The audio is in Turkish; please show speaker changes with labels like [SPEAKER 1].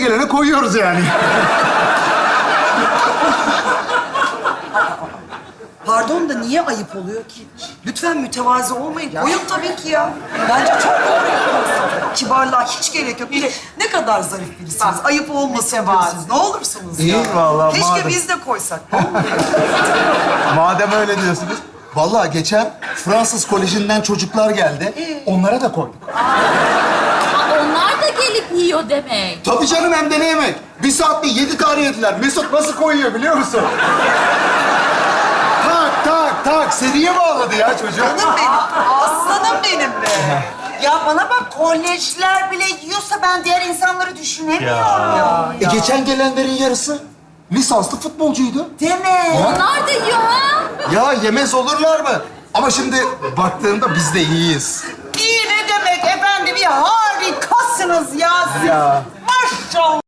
[SPEAKER 1] gelene koyuyoruz yani.
[SPEAKER 2] Pardon da niye ayıp oluyor ki? Lütfen mütevazi olmayın. Koyun tabii ki ya. Bence çok doğru yapıyorsunuz. Kibarlığa hiç gerek yok. Bir de ne kadar zarif birisiniz. Ayıp olmasın diyorsunuz. Ne olursunuz ya.
[SPEAKER 1] İyi vallahi,
[SPEAKER 2] Keşke
[SPEAKER 1] madem.
[SPEAKER 2] biz de koysak.
[SPEAKER 1] Madem öyle diyorsunuz. Vallahi geçen Fransız Koleji'nden çocuklar geldi. Onlara da koyduk.
[SPEAKER 3] Onlar da gelip yiyor demek.
[SPEAKER 1] Tabii canım, hem de ne yemek? Bir saatte 7 tane yediler. Mesut nasıl koyuyor biliyor musun? Tak tak tak seriye bağladı ya çocuk.
[SPEAKER 2] Canım benim. Aslanım benim be.
[SPEAKER 4] Ya bana bak, kolejler bile yiyorsa ben diğer insanları düşünemiyorum ya.
[SPEAKER 1] Geçen gelenlerin yarısı lisanslı futbolcuydu.
[SPEAKER 4] Deme.
[SPEAKER 3] Onlar da yiyor ha.
[SPEAKER 1] Ya yemez olurlar mı? Ama şimdi baktığında biz de iyiyiz.
[SPEAKER 4] İyi ne demek efendim, ya harikasınız ya siz.
[SPEAKER 1] Ya.
[SPEAKER 4] Maşallah.